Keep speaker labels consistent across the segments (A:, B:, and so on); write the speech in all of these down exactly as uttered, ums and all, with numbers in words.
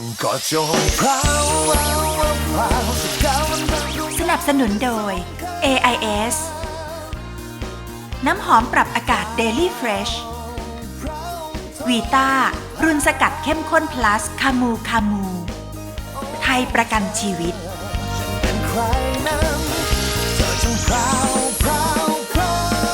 A: ก็จงพราวพราวพราวสักก้าวมันดังดวง
B: สนับสนุนโดย เอ ไอ เอส น้ำหอมปรับอากาศ Daily Fresh วีต้ารุ่นสกัดเข้มข้น plus คามูคามู ไทยประกันชีวิต
A: เป็นใครนั้นเธอจงพราวพราวพราว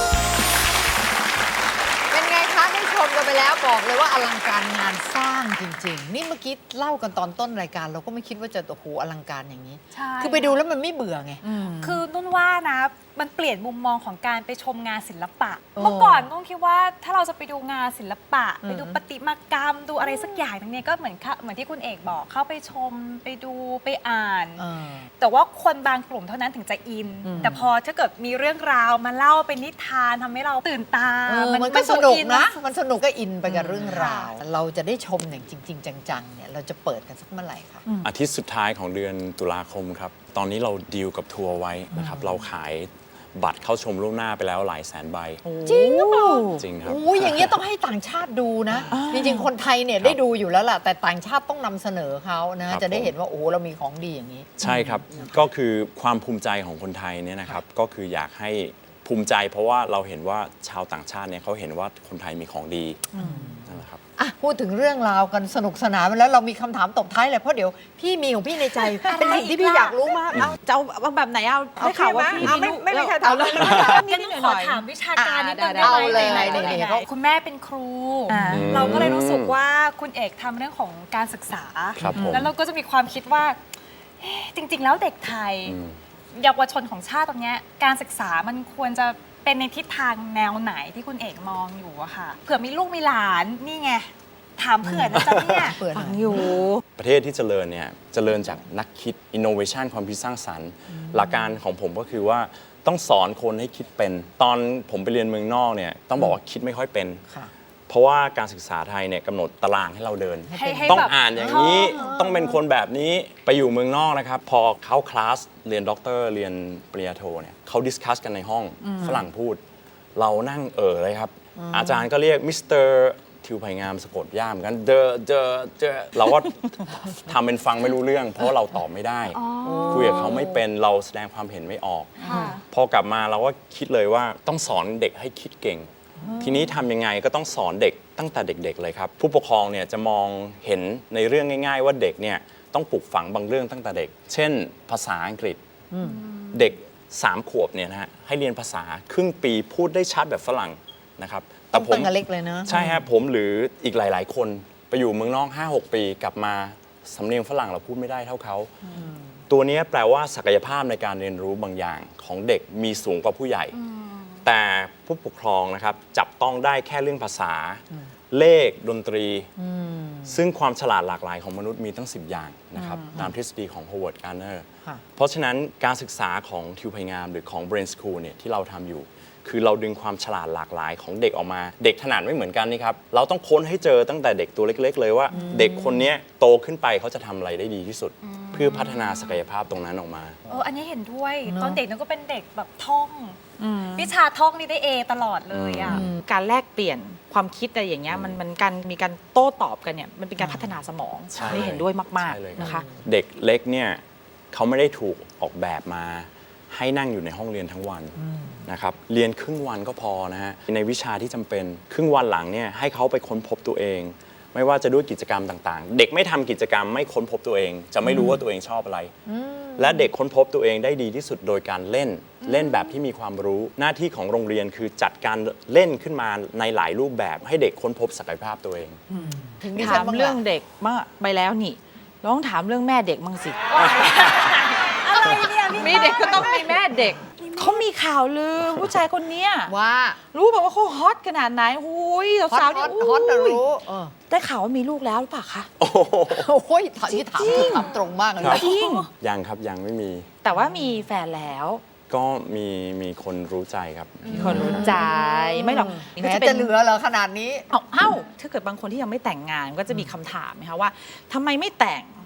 C: เป็นไงคะได้ชมกันไปแล้วบอกเลยว่าอลังการงานสร้างจริงๆ นี่เมื่อกี้เล่ากันตอนต้นรายการเราก็ไม่คิดว่าจะโอ้โหอลังการอย่างนี้
D: ใช่
C: คือไปดูแล้วมันไม่เบื่อไง
D: คือนุ่นว่านะมันเปลี่ยนมุมมองของการไปชมงานศิลปะ
C: โอ้
D: เมื่อก่อนนุ่นคิดว่าถ้าเราจะไปดูงานศิลปะ
C: อืม
D: ไปดูประติมากรรมดูอะไรสักอย่างนึงเนี่ยก็เหมือนค่ะเหมือนที่คุณเอกบอกเข้าไปชมไปดูไปอ่าน
C: เออ
D: แต่ว่าคนบางกลุ่มเท่านั้นถึงจะอิน
C: อืม
D: แต่พอถ้าเกิดมีเรื่องราวมาเล่าเป็นนิทานทำให้เราตื่นตา
C: เออมันก็ส
D: ดู
C: นุก
D: อิ
C: นะ
D: มั
C: มันสนุกก็อินไปกับเรื่องราว
D: ค่ะ
C: เราจะได้ชมอย่างจริง ๆ จังๆเนี่ยเราจะเปิดกันสักเมื่อไหร่คะ
E: อาทิตย์สุดท้ายของเดือนตุลาคมครับ ตอนนี้เราดีลกับทัวร์ไว้นะครับ เราขายบัตรเข้าชมล่วงหน้าไปแล้วหลายแสนใบ
C: จริงหรือเปล่า
E: จริงครับ
C: โอ้ยอย่างเงี้ยต้องให้ต่างชาติดูนะ จริงๆ คนไทยเนี่ย
E: ครับ
C: ได้ดูอยู่แล้วล่ะ แต่ต่างชาติต้องนำเสนอเขานะ
E: ครับ
C: จะได้
E: ผม
C: เห็นว่า โอ้โห เรามีของดีอย่างนี้
E: ใช่ครับ ก็คือความภูมิใจของคนไทยเนี่ยนะครับ ก็คืออยากให้ภูมิใจ เพราะว่าเราเห็นว่าชาวต่างชาติเนี่ยเขาเห็นว่าคนไทยมีของดีนั่นแหละครับ
C: อ่ะ พูดถึงเรื่องราวกันสนุกสนานไปแล้วเรามีคำถามตบท้ายเลยเพราะเดี๋ยวพี่มีของพี่ในใจ เป็นสิ่งที่พี่อยากรู้มากเอ้า
F: จะเอาแบบไหนเอาได้ข่าวว่าพี่
C: เอาไม่ไม่ไม่ใช่ถาม
F: เลย
D: งั้นนุ่นขอถามวิชาการนิดนึง
C: เอา
D: ได้
C: เลย
D: ไหม
C: เอาเลย
D: ไหนๆ
C: นี่ๆ
D: ก็คุณแม่เป็นครู
F: อ่า
D: เราก็เลยรู้สึกว่าคุณเอกทำเรื่องของการศึกษา
E: ครับผม
D: แล้วเราก็จะมีความคิดว่าเอ๊ะจริง ๆ แล้วเด็กไทย
E: อืม
D: เยาวชนของชาติตรงเนี้ยการศึกษามันควรจะเป็นในทิศทางแนวไหนที่คุณเอกมองอยู่อะค่ะเผื่อมีลูกมีหลานนี่ไงถามเผื่อนะจ๊ะเนี่ย
C: เปิดห
F: ฟั
C: น่
F: ง
C: อย
F: อยู่
E: ประเทศที่เจริญเนี่ยเจริญจากนักคิด innovation ความคิดสร้างสรรค์ หลักการของผมก็คือว่าต้องสอนคนให้คิดเป็น ตอนผมไปเรียนเมืองนอกเนี่ยต้องบอกว่าคิดไม่ค่อยเป็น
C: ค่ะ
E: เพราะว่าการศึกษาไทยเนี่ยกำหนดตารางให้เราเดิน
D: ให้ให้
E: ต้อง
D: แบบ
E: อ่านอย่างนี้
D: ท่อง
E: ต้องเป็นคนแบบนี้ไปอยู่เมืองนอกนะครับ พอเข้าคลาสเรียนด็อกเตอร์เรียนปริญญาโทเนี่ยเขาดิสคัสกันในห้องฝรั่งพูด เรานั่งเออเลยครับ อาจารย์ก็เรียกมิสเตอร์ทิวไผ่งามสะกดย่ามกันเดอเดอเดอเราก็ ทำเป็นฟังไม่รู้เรื่อง เพราะว่าเราตอบไม่ได้คุยกับเขาไม่เป็นเราแสดงความเห็นไม่ออก
D: ค่ะ
E: พอกลับมาเราก็คิดเลยว่าต้องสอนเด็กให้คิดเก่ง ทีนี้ทำยังไงก็ต้องสอนเด็กตั้งแต่เด็ก ๆ เลยครับ ผู้ปกครองเนี่ยจะมองเห็นในเรื่องง่าย ๆ ว่าเด็กเนี่ยต้องปลูกฝังบางเรื่องตั้งแต่เด็ก เช่น ภาษาอังกฤษเด็กสามขวบเนี่ยนะฮะให้เรียนภาษาครึ่งปีพูดได้ชัดแบบฝรั่งนะครับ
C: ต้
E: แต่
C: อง
E: ผม
C: ตั้งแต่เล็กเลยเนอะ
E: ใช่ฮะผมหรืออีกหลาย ๆ คนไปอยู่เมืองนอก ห้าหก ปีกลับมาสำเนียงฝรั่งเราพูดไม่ได้เท่าเขา ตัวนี้แปลว่าศักยภาพในการเรียนรู้บางอย่างของเด็กมีสูงกว่าผู้ใหญ่ แต่ผู้ปกครองนะครับจับต้องได้แค่เรื่องภาษา เลขดนตรี ซึ่งความฉลาดหลากหลายของมนุษย์มีตั้ง สิบ อย่างนะครับตามทฤษฎีของ Howard Gardner
C: ค่ะ
E: เพราะฉะนั้นการศึกษาของทิวไผ่งามหรือของ Brain School เนี่ยที่เราทำอยู่ คือเราดึงความฉลาดหลากหลายของเด็กออกมา เด็กถนัดไม่เหมือนกันนี่ครับเราต้องค้นให้เจอตั้งแต่เด็กตัวเล็ก ๆ เลยว่า เด็กคนนี้โตขึ้นไปเขาจะทำอะไรได้ดีที่สุด เพื่อพัฒนาศักยภาพตรงนั้นออกมา
D: เอออันนี้เห็นด้วยตอนเด็กนึกก็เป็นเด็กแบบท่องวิชาท่องนี่ได้เอตลอดเลยอ่ะ
F: การแลกเปลี่ยนความคิดอะไรอย่างเงี้ยมันมันการมีการโต้ตอบกันเนี่ยมันเป็นการพัฒนาสมอง
E: ใช่
F: นี่เห็นด้วยมาก
E: ใช่เลย
F: ๆนะคะ
E: เด็กเล็กเนี่ยเขาไม่ได้ถูกออกแบบมาให้นั่งอยู่ในห้องเรียนทั้งวันนะครับเรียนครึ่งวันก็พอนะฮะในวิชาที่จำเป็นครึ่งวันหลังเนี่ยให้เขาไปค้นพบตัวเอง ไม่ว่าจะด้วยกิจกรรมต่างๆ เด็กไม่ทำกิจกรรมไม่ค้นพบตัวเอง จะไม่รู้ว่าตัวเองชอบอะไร และเด็กค้นพบตัวเองได้ดีที่สุดโดยการเล่นเล่นแบบที่มีความรู้ หน้าที่ของโรงเรียนคือจัดการเล่นขึ้นมาในหลายรูปแบบให้เด็กค้นพบศักยภาพตัวเอง
C: ถึงดิฉั
F: ถาน ม
C: บ้าง
F: เรื่อง
C: ล่ะ
F: เด็กมาไปแล้วนี่ลองถามเรื่องแม่เด็กมั่งสิ
D: อะไรเนี่ยพี่
F: มีเด็กก็ต้องมีแม่เด็กเขามีข่าวลือผู้ชายคนเนี้ย
C: ว่า
F: รู้แบบว่าเขาฮอตขนาดไหนหุย
C: ฮอต
F: สาว
C: ฮ
F: ๆ
C: อ
F: เนี่ย
C: ตฮอตนะ
F: อุ้ย
C: รู้เออ
F: ได้ข่าวว่ามีลูกแล้วหรือเปล่าคะ
C: โอ้ยถามที่ถามที่ถามตรงมากเลย
E: ครับ
C: นะ
F: จริง
E: ยังครับยังไม่มี
F: แต่ว่ามีแฟนแล้ว
E: ก็มีมีคนรู้ใจครับ
F: มีคนรู้ใจไม่หรอก
C: แหมจะเหลือเหรอขนาดนี้
F: เอ้าเอ้าถ้าเกิดบางคนที่ยังไม่แต่งงานก็จะมีคำถามไหมคะว่าทำไมไม่แต่ง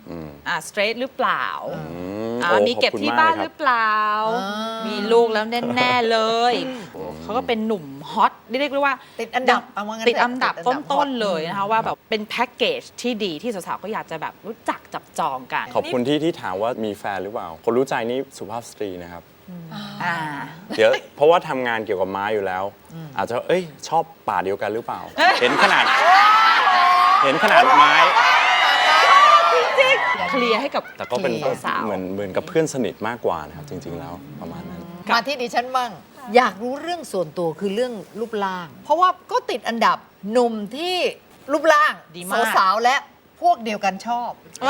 E: อืม
F: อ่าสเตรทหรือเปล่า
E: อืม
F: อ่า
E: โอ้
F: มีเก็บ
E: ขอคุณ
F: ที่
E: ม
F: บ้าน
E: เลยค
F: ห
E: รั
F: รือเปล่า มีลูกแล้วแน่ๆเลย เขาก็เป็นหนุ่มฮอตเรียกได้ว่า
C: ติดอันดับเอาว่างั้น
F: ติดอันดับ
C: ติดอันดับ
F: ต้น
C: ฮอต
F: ๆเลยนะคะว่าแบบเป็นแพ็กเกจที่ดีที่สาวๆก็อยากจะแบบรู้จักจับจองกัน
E: ขอบคุณที่ที่ถามว่ามีแฟนหรือเปล่า คนรู้ใจนี่สุภาพสตรีนะครับ
F: อ่า
E: เดี๋ยวเพราะว่าทำงานเกี่ยวกับไม้อยู่แล้ว อาจจะเอ้ยชอบป่าเดียวกันหรือเปล่า เห็นขนาด เห็นขนาดไม้
F: เคลียร์ให้กับ
E: แต่ก็เป็น
F: เคลียร์สาว
E: เหมือนเหมือนกับเพื่อนสนิทมากกว่านะครับ จริง ๆ แล้วประมาณนั้น
C: มาที่ดิฉันบ้างอยากรู้เรื่องส่วนตัวคือเรื่องรูปร่าง เพราะว่าก็ติดอันดับหนุ่มที่รูปร่าง
F: ดีมาก
C: สาวๆและพวกเดียวกันชอบ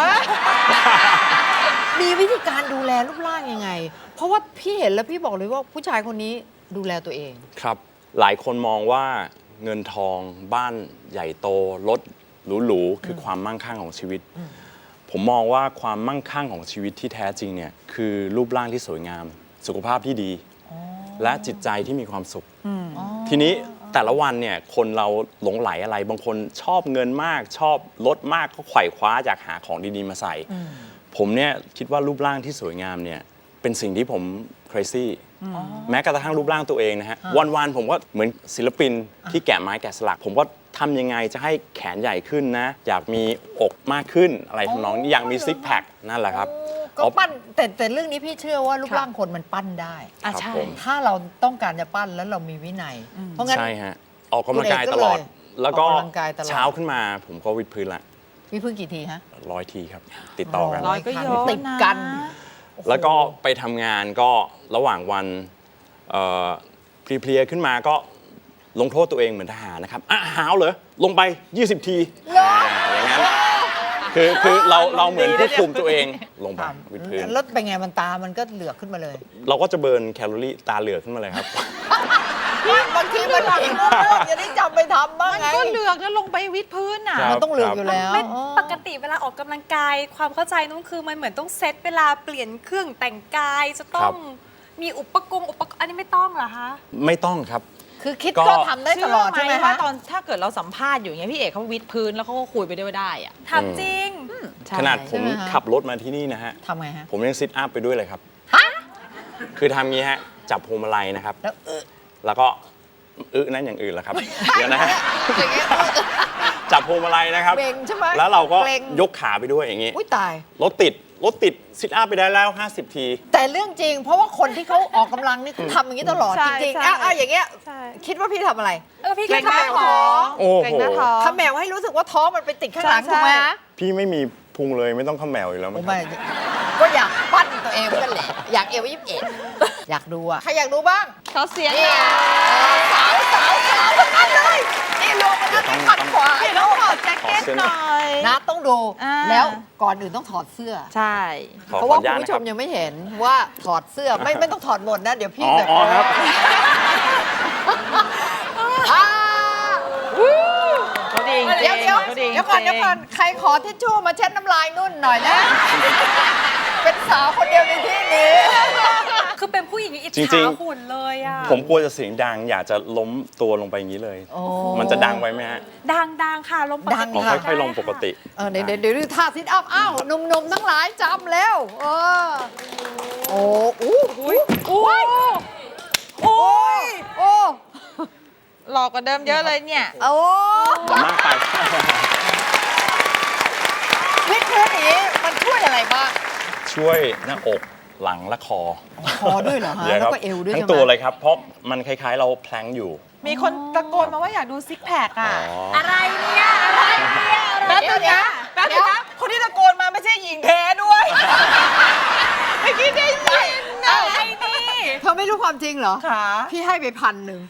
C: มีวิธีการดูแลรูปร่างยังไง เพราะว่าพี่เห็นแล้วพี่บอกเลยว่าผู้ชายคนนี้ดูแลตัวเอง
E: ครับ หลายคนมองว่าเงินทองบ้านใหญ่โตรถหรูๆคือความมั่งคั่งของชีวิต ผมมองว่าความมั่งคั่งของชีวิตที่แท้จริงเนี่ยคือรูปร่างที่สวยงาม สุขภาพที่ดี และจิตใจที่มีความสุข ทีนี้แต่ละวันเนี่ยคนเราหลงไหลอะไร บางคนชอบเงินมาก ชอบรถมากก็ไขว่คว้าอยากหาของดีๆมาใส่ ผมเนี่ยคิดว่ารูปร่างที่สวยงามเนี่ยเป็นสิ่งที่ผม crazy แม้กระทั่งรูปร่างตัวเองนะฮะ วันๆผมก็เหมือนศิลปินที่แกะไม้แกะสลัก ผมก็ทำยังไงจะให้แขนใหญ่ขึ้นนะ อยากมีอกมากขึ้นอะไรทำนองนี้อยากมีซิกแพคนั่นแหละครับ
C: ก็ปั้นแต่แต่เรื่องนี้พี่เชื่อว่ารูปร่างคนมันปั้นได้
F: อ่ะ
E: ครับ
F: ใช่
E: ผม
C: ถ้าเราต้องการจะปั้นแล้วเรามีวินัย เพราะงั้น
E: ใช่ฮะ ออกกำลังกายตลอด
C: คุณเอกก็เลย
E: แล้วก็
C: ออกกำลังกายตลอด
E: เช้าขึ้นมาผมก็วิดพื้นละ
C: พี่เพิ่งกี่ทีฮะ
E: ร้อยทีครับ ติดต่อกัน
F: ร้อยก็เยอะ
C: ติดกัน
F: นะ
E: แล้วก็ไปทำงานก็ระหว่างวันเอ่อเพลียๆขึ้นมาก็ลงโทษตัวเองเหมือนทหารนะครับอ่ะหาวเหรอลงไป ยี่สิบ ทีอ่าอย่างนั้นคือคือเราเราเหมือนควบคุมตัวเองลงไปวิดพื้น
C: แล้วเป็นไงมันตามันก็เหลือกขึ้นมาเลย
E: เราก็จะเบิร์นแคลอรี่ตาเหลือกขึ้นมาเลยครับ
C: บางทีมันเห็นว่าอย่าได้จำไปทำบ้าง
F: มัน
C: ไง
F: ก็เหลือกแล้วลงไปวิดพื้นอ่ะ
E: ครับ
C: มันต้องเหลือกอยู่แล้ว
D: ไม่
C: อ๋อ
D: ปกติเวลาออกกำลังกาย ความเข้าใจนุ่นคือมันเหมือนต้องเซตเวลาเปลี่ยนเครื่องแต่งกายจะต้องมีอุปกรณ์อุปกรณ์อันนี้ไม่ต้องเหรอคะ
E: ไม่ต้องครับ
C: คือคิด
E: ก็
C: ก็ทำได้ตลอดใช่ไหม
F: ว่า
C: คะ
F: ตอนถ้าเกิดเราสัมภาษณ์อยู่อย่างเงี้ยพี่เอกเขาวิดพื้นแล้วเขาก็คุยไปด้วยได้อะ
D: ทำจริง
F: ใช่
E: ขนาดผม
C: ใช่ไหมคะ
E: ขับรถมาที่นี่นะฮะ
C: ทำไงฮะ
E: ผมยังซิทอัพไปด้วยเลยครับ คือทำงี้ฮะ จับพวงมาลัยนะครับ
C: แล้วเออ
E: แล้วก็อึนั้นอย่างอื่นแหละครับ เดี๋ยวนะฮะ จับพวงมาลัยนะครับ
C: เบ่งใช่ไหม
E: แล้วเราก็
C: เกร็ง
E: ยกขาไปด้วยอย่างงี้
C: อุ้ยตาย
E: รถติด รถติดซิทอัพไปได้แล้ว ห้าสิบ ที
C: แต่เรื่องจริง เพราะว่าคนที่เขาออกกำลังนี่เขาทำอย่างนี้ตลอด
F: ใช่
C: จริงๆ
F: ใช่
C: อ่ะอ่ะอย่างเงี้ย
F: ใช่
C: คิดว่าพี่ทำอะไร
D: เออพี่
F: เกร
D: ก็
F: งหน้า
D: ทำ
F: ท้อง
E: โอ้โห
F: เกรงหน้าท้อง
C: ขมแมวให้รู้สึกว่าท้องมันไปติดข้างหลัง
F: ใช่
C: ถูกไหม
F: ใช่
C: ฮะ
E: พี่ไม่มีพุงเลยไม่ต้องเขมแมวอยู่แล้วมั้
C: ผม
E: งครั
C: ไม่
E: บ
C: ก็อยากปั้นตัวเองเหมือนกันแหละ อยากเอวยี่สิบเอ็ดอยากดูอะใครอยากดูบ้าง
F: เขาเสียง
C: นี่สาวสาวสาวทั้งนั้นเลยนี่รวมกันทั้งที่ขัดขวา
F: พี่ต้องถอดแจ็คเก็ตหน่อย
C: นะต้องดู
F: อ่า
C: แล้วก่อนอื่นต้องถอดเสื้อ
F: ใช่
E: ขอ
C: เพราะ
E: ขอ
C: ว่า
E: อนุ
C: คุ
E: ญา
C: ณ
E: ต
C: ผู้
E: นะ
C: ช
E: ครับ
C: มยังไม่เห็นว่าถอดเสื้อไม่ไม่ต้องถอดหมดนะ เดี๋ยวพี่
E: อ๋อ
C: แบบ
E: อ๋อครับ
C: อ่า
F: เขาดีจริง
C: เดี๋ยวเดี๋ยว
F: ขาดี
C: เดี๋ยวก่อน
F: จริง
C: เดี๋ยวก่อนใครขอทิชชู่มาเช็ดน้ำลายนุ่นหน่อยนะ เป็นสาวคนเดียวในที่นี้
D: คือเป็นผู้หญิงอิจ
E: จริ
D: ฉาง
E: ๆ
D: หุ่นเลยอ่ะ
E: ผมกลัวจะเสียงดัง อยากจะล้มตัวลงไปอย่างนี้เลย
C: โอ้
E: มันจะดังไว้ไหมฮะ
D: ดังดังค่ะลมปก
C: ดัง
D: ติ
E: ขอ
C: ค่ะ
E: ค่อยๆลงปกติ
C: เออเดี๋ยวเดี๋ยวเดี๋ยวดูท่าซิทอัพอ้าวหนุ่มๆทั้งหลายจำแล้วเออโอ้อู้อุ้ยอุ้ยโอ้ยโอ้
F: หลอกกว่าเดิมเยอะเลยเนี่ย
C: โอ้
E: มากไป
C: วิกพื้นอย่างนี้มันช่วยอะไรบ้าง
E: ช่วยหน้าอกหลังและคอ
C: คอด้วยเหรอฮะ
E: ดี๋ย
C: แล้ว
E: ครับ
C: ก็เอวด้วย
E: ทั้
C: ใช่
E: ง
C: ไหม
E: ตัวเลยครับ เพราะมันคล้ายๆ เราแพลงอยู่
F: มีคนตะโกนมาว่าอยากดูซิกแพค
E: อ๋
F: อ่ะ
E: อ
D: อะไรเนี่ย อะไรเนี่ย
F: แป๊บนึงนะแป๊บนึงนะคนที่ตะโกนมาไม่ใช่หญิงแท้ด้วยเมื่อกี้ได้ยินนะ
D: อะไรนี่
C: เธอไม่รู้ความจริงเหรอ
F: ขา
C: พี่ให้ไปพันหนึ่ง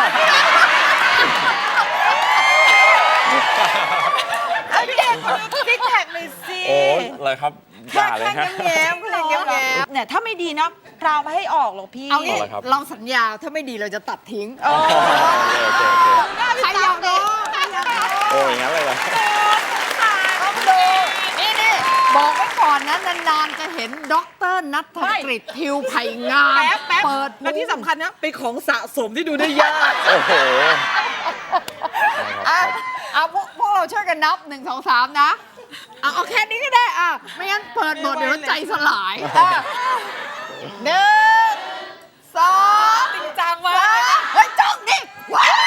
F: ไอ้พี่เอกคนดูซิกแพคหน่อยสิ
E: โอ้อะไรครับอ
C: แค่
E: ย่าเลย
C: แค่
E: ฮะ
C: แง้มๆแค่แง้ม
F: เนี่ยถ้าไม่ดีนะพราวมาให้ออกหรอกพี่
C: ๆเอางี้
E: เอาละครับ
C: เราสัญญาถ้าไม่ดีเราจะตัดทิ้ง
F: โอ้
E: โอเคโอเคโอเค
C: ใครอยากดูใครอยากดู
E: โอ้อย่างนั้นเลยเหรอ
C: ต้องดูนี่นี่บอกไว้ก่อนนะนานๆจะเห็นด็อกเตอร์นัทกฤษทิวไผ่งาม
F: แป๊บแป๊บ
C: เปิด
F: แล้วที่สำคัญนะเป็นของสะสมที่ดูได้ยาก
E: โอ้โห
C: อ่ะเอาพวกพวกเราช่วยกันนับหนึ่งสองสามนะเอาเอาแค่นี้ก็ได้อ่ะไม่งั้นเปิดบทเดี๋ยวใจสลายอ่ะหนึ่งสอง
F: จริงจังมา
C: สาก มเฮ้ยจ้องดิว้าว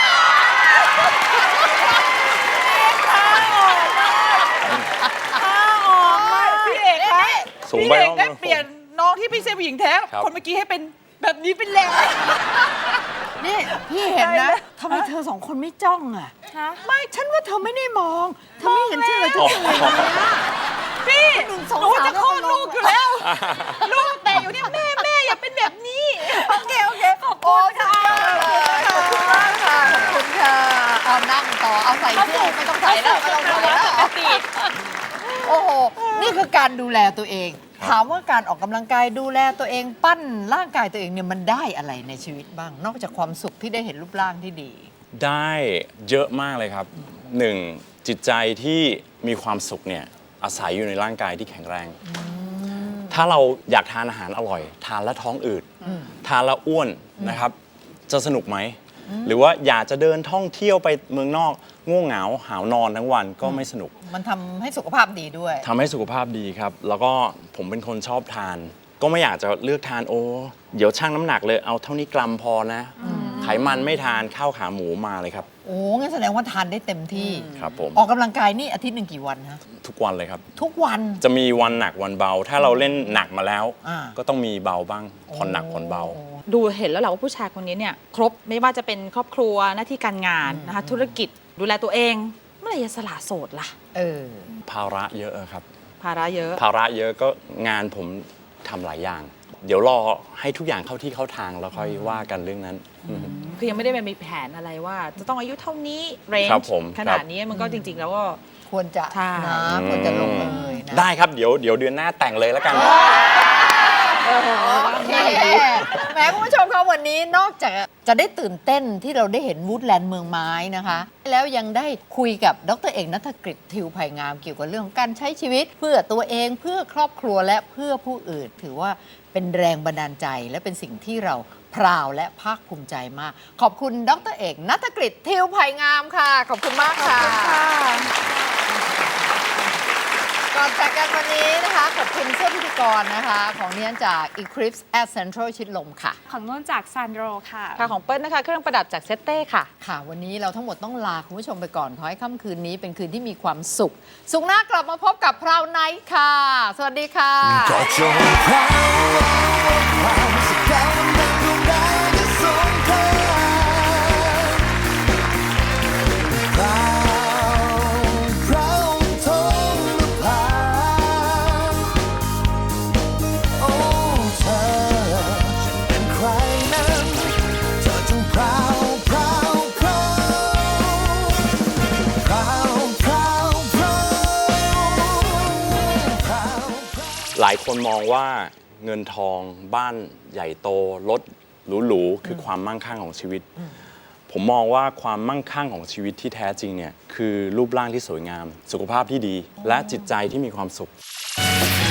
F: พี่เอกคะ
E: สูง
F: พี่
E: ไป
F: เอก
E: น้อง
F: ได้เปลี่ยนน้องที่ไม่ใช่ผู้หญิงแท้
E: ครับ
F: คนเมื่อกี้ให้เป็นแบบนี้เป็นแล้ว
C: นี่พี่เห็น
F: ได้
C: นะ
F: นะ
C: ทำไมเธอสองคนไม่จ้องอ่ะ
D: ฮะ
C: ไม่ฉันว่าเธอไม่ได้มองเธอไม่เห็นเฉยๆเฉยๆเลยนะ
F: พี่
C: หนึ่งสอง
F: หนู
C: สาม
F: จะคลอดลูกอยู่แล้ว ลูกแต่อยู่เนี่ยแม่แม่อย่าเป็นแบบนี้
C: โอเคโอเคขอบคุณค่ะขอบคุณมากค่ะขอบคุณค่ะเอานั่งต่อเอาใส่เสื้อไม่ต้องใส่แล้วไม่ต้องใส่แล้ว
D: ปกติ
C: โอ้โหนี่คือการดูแลตัวเอง ถามว่าการออกกำลังกายดูแลตัวเองปั้นร่างกายตัวเองเนี่ยมันได้อะไรในชีวิตบ้าง นอกจากความสุขที่ได้เห็นรูปร่างที่ดี
E: ได้เยอะมากเลยครับหนึ่งจิตใจที่มีความสุขเนี่ยอาศัยอยู่ในร่างกายที่แข็งแรง ถ้าเราอยากทานอาหารอร่อย ทานแล้วท้องอืดทานแล้วอ้วนนะครับ จะสนุกไหม หรือว่าอยากจะเดินท่องเที่ยวไปเมืองนอกง่วงเหงาหาวนอนทั้งวันก็ไม่สนุก
C: มันทำให้สุขภาพดีด้วย
E: ทำให้สุขภาพดีครับ แล้วก็ผมเป็นคนชอบทาน ก็ไม่อยากจะเลือกทานโอ้เดี๋ยวชั่งน้ำหนักเลยเอาเท่านี้กรัมพอนะ ไขมันไม่ทานข้าวขาหมูมาเลยครับ
C: โอ้งั้นแสดงว่าทานได้เต็มที่
E: ครับผม
C: ออกกำลังกายนี่อาทิตย์หนึ่งกี่วันฮะ
E: ทุกวันเลยครับ
C: ทุกวัน
E: จะมีวันหนักวันเบา ถ้าเราเล่นหนักมาแล้ว
C: อ่า
E: ก็ต้องมีเบาบ้างผ่อนหนักผ่อนเบา
D: ดูเห็นแล้วแหละว่าผู้ชายคนนี้เนี่ยครบไม่ว่าจะเป็นครอบครัวหน้าที่การงานนะคะธุรกิจดูแลตัวเอง เมื่อไหร่จะสละโสดล่ะ
C: เออ
E: ภาระเยอะครับ
D: ภาระเยอะ
E: ภาระเยอะก็งานผมทำหลายอย่าง เดี๋ยวรอให้ทุกอย่างเข้าที่เข้าทางแล้วค่อยว่ากันเรื่องนั้นอืม
D: คือยังไม่ได้มีแผนอะไรว่า จะต้องอายุเท่านี้เรน
E: ครับ
D: จ์
E: ผม
D: ขนาดนี้มันก็จริง ๆ แล้วก็
C: ควรจะ
D: ใช่
C: นะควรจะลงเลยนะ
E: ได้ครับเดี๋ยวเดี๋ยวเดือนหน้าแต่งเลยแล้วกัน
C: โอเคแหมคุณผู้ชมคะวันนี้นอกจากจะได้ตื่นเต้นที่เราได้เห็นวูดแลนด์เมืองไม้นะคะ แล้วยังได้คุยกับดรเอกณัฐกฤษทิวไผ่งามเกี่ยวกับเรื่องของการใช้ชีวิต เพื่อตัวเองเพื่อครอบครัวและเพื่อผู้อื่น ถือว่าเป็นแรงบันดาลใจและเป็นสิ่งที่เราพราวและภาคภูมิใจมาก ขอบคุณดรเอกณัฐกฤษทิวไผ่งามค่ะ ขอบคุณมากค่ะ ก่อนจากกันวันนี้นะคะขอบคุณเสื้อพิธีกรนะคะ ของเนี้ยจาก Eclipse at Central ชิดลมค่ะ
D: ของนุ่นจากซานโดรค่ะ
G: ค่ะของเปิ้ลนะคะ เครื่องประดับจากเซตเต้ค่ะ
C: ค่ะ วันนี้เราทั้งหมดต้องลาคุณผู้ชมไปก่อนขอให้ค่ำคืนนี้เป็นคืนที่มีความสุข สุขหน้ากลับมาพบกับพราวไนท์ค่ะ สวัสดีค่ะ
A: ก็จงพราวพราวสักแก้วมันเป็นดวงดาวที่สงครามพราวพราวทงนภาโอ้เธอฉันเป็นใครนั้นเธอจงพราวพราวพราวพราวพราวพราวพราว
E: หลายคนมองว่าเงินทองบ้านใหญ่โตรถหรูๆคือความมั่งคั่งของชีวิต ผมมองว่าความมั่งคั่งของชีวิตที่แท้จริงเนี่ยคือรูปร่างที่สวยงาม สุขภาพที่ดี และจิตใจที่มีความสุข